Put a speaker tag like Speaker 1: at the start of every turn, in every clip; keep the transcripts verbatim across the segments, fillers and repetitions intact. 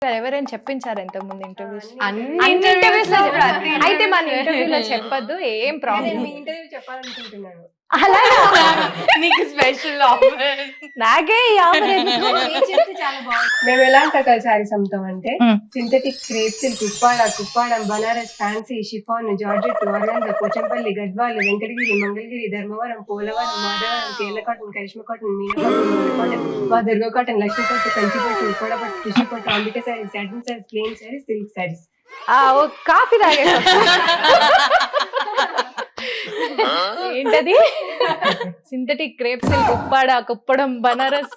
Speaker 1: ఎవరైనా చెప్పించారు ఇంతకు ముందు ఇంటర్వ్యూస్?
Speaker 2: అన్ని
Speaker 1: ఇంటర్వ్యూస్
Speaker 2: interviews
Speaker 1: అయితే మన ఇంటర్వ్యూలో చెప్పొద్దు, ఏం ప్రాబ్లం.
Speaker 3: మీ ఇంటర్వ్యూ చెప్పాలనుకుంటున్నాను.
Speaker 1: అలా
Speaker 2: నీకు స్పెషల్ ఆఫర్.
Speaker 1: నాకే ఈ ఆఫర్ ఎందుకు?
Speaker 3: మీరు చెప్తే చాలా బాగుంది. మేము ఎలాంటి రకాల శారీస్ అమ్ముతాం అంటే
Speaker 1: మ్మ్.
Speaker 3: Synthetic crepe silk, Uppada, Kuppadam, Banaras, fancy, chiffon, georgette, organza, Pochampally, Gadwal, Venkatagiri, Mangalagiri, Dharmavaram, Polavaram, Madhavaram, Kerala cotton, Karishma cotton, Meena cotton, model cotton, మా దుర్గా కాటన్, లక్ష్మీ పట్టు, కంచి పట్టు, ఉప్పాడ పట్టు, టిష్యూ పట్టు, Ambika saris, satin saris, plain saris, silk saris.
Speaker 1: ఆ, ఓ కాఫీ తాగే ఏంటది? Synthetic crepe silk, Uppada, Kuppadam, Banaras.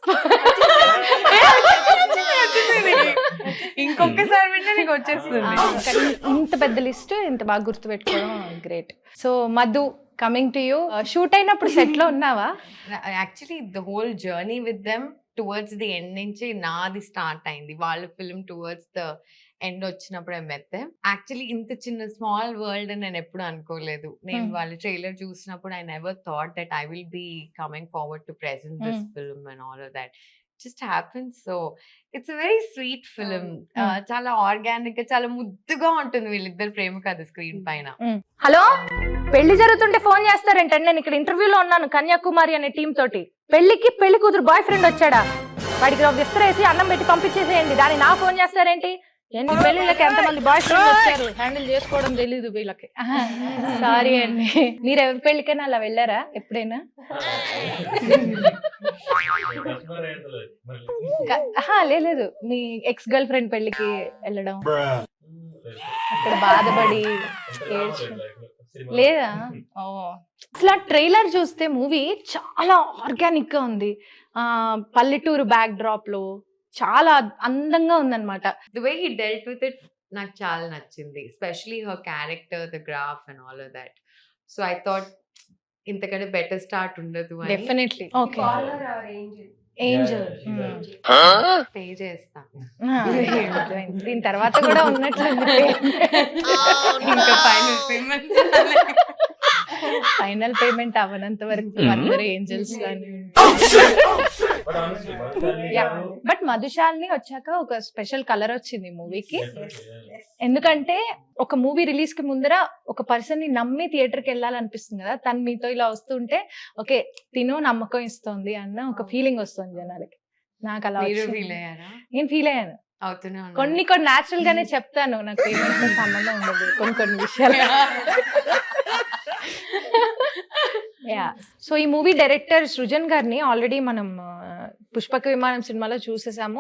Speaker 2: ఇంకొకసారి వింటే నీకు వచ్చేస్తుంది.
Speaker 1: కానీ ఇంత పెద్ద లిస్ట్ ఇంత బాగా గుర్తు పెట్టుకోవడం great. So Madhu, coming to you. Shoot అయినప్పుడు సెట్ లో ఉన్నావా?
Speaker 2: Actually the whole journey with them towards the end నుంచి నాది స్టార్ట్ అయింది. వాళ్ళ ఫిల్మ్ టువర్డ్స్ ద ఎండ్ వచ్చినప్పుడు మెత్తే యాక్చువల్లీ ఇంత చిన్న స్మాల్ వరల్డ్ అని నేను ఎప్పుడు అనుకోలేదు. నేను వాళ్ళ ట్రైలర్ చూసినప్పుడు I never thought that I will be coming forward to present this film and all of that just happens. So it's a very sweet film. చాలా ఆర్గానిక్ గా, చాలా ముద్దుగా ఉంటుంది వీళ్ళిద్దరు ప్రేమ కథ స్క్రీన్ పైన.
Speaker 1: హలో, పెళ్లి జరుగుతుంటే ఫోన్ చేస్తారేంటండి? నేను ఇక్కడ ఇంటర్వ్యూలో ఉన్నాను కన్యాకుమారి అనే టీం తోటి. పెళ్లికి పెళ్లి కూతురు బాయ్ ఫ్రెండ్ వచ్చాడా? వాడికి ఒక విస్తరేసి అన్నం పెట్టి పంపించేసేయండి. దాన్ని నా ఫోన్ చేస్తారేంటి? ఎన్ని పెళ్లిళ్ళకి ఎంతమంది బాయ్ ఫ్రెండ్ వచ్చారు, హ్యాండిల్ చేసుకోవడం తెలీదు వీళ్ళకి. సారీ అండి. మీరు ఎవరి పెళ్లికైనా అలా వెళ్ళారా ఎప్పుడైనా? క- లేదు, మీ ఎక్స్ గర్ల్ ఫ్రెండ్ పెళ్లికి వెళ్ళడం, అక్కడ బాధపడి ఏడ్చడం లేదా? ఓ, అసలు ఆ ట్రైలర్ చూస్తే మూవీ చాలా ఆర్గానిక్ గా ఉంది. ఆ పల్లెటూరు బ్యాక్ డ్రాప్ లో చాలా అందంగా ఉందన్నమాట.
Speaker 2: The way he dealt with it నాకు చాలా నచ్చింది. Especially her character, the graph and all of that. So I thought ఇంతకంటే బెటర్ స్టార్ట్ ఉండదు అని
Speaker 1: definitely. Okay,
Speaker 3: Call her our angel.
Speaker 1: Angel.
Speaker 2: Pay చేస్తా.
Speaker 1: దీని తర్వాత కూడా ఉన్నట్లుంది.
Speaker 2: ఇంకా ఫైనల్ పేమెంట్
Speaker 1: ఫైనల్ పేమెంట్ అవ్వనంత వరకు అందరూ ఏంజల్స్ లానే. బట్ మధుశాలిని వచ్చాక ఒక స్పెషల్ కలర్ వచ్చింది మూవీకి. ఎందుకంటే ఒక మూవీ రిలీజ్ కి ముందర ఒక పర్సన్ ని నమ్మి థియేటర్ కి వెళ్ళాలనిపిస్తుంది కదా. తను మీతో ఇలా వస్తుంటే ఓకే తిను నమ్మకం ఇస్తుంది అన్న ఒక ఫీలింగ్ వస్తుంది జనాలకి. నాకు అలా
Speaker 2: మీరు
Speaker 1: వచ్చింది.
Speaker 2: ఫీల్ అయ్యారా?
Speaker 1: నేను ఫీల్ అయ్యాను.
Speaker 2: అవుతూనే ఉన్నా.
Speaker 1: కొన్ని కొన్ని న్యాచురల్ గానే చెప్తాను, నాకు పేమెంట్ తో సంబంధం ఉండదు కొన్ని కొన్ని విషయాలు. యా. సో ఈ మూవీ డైరెక్టర్ సృజన్ గారిని ఆల్రెడీ మనం ఆ, పుష్పక విమానం సినిమాలో చూసేసాము.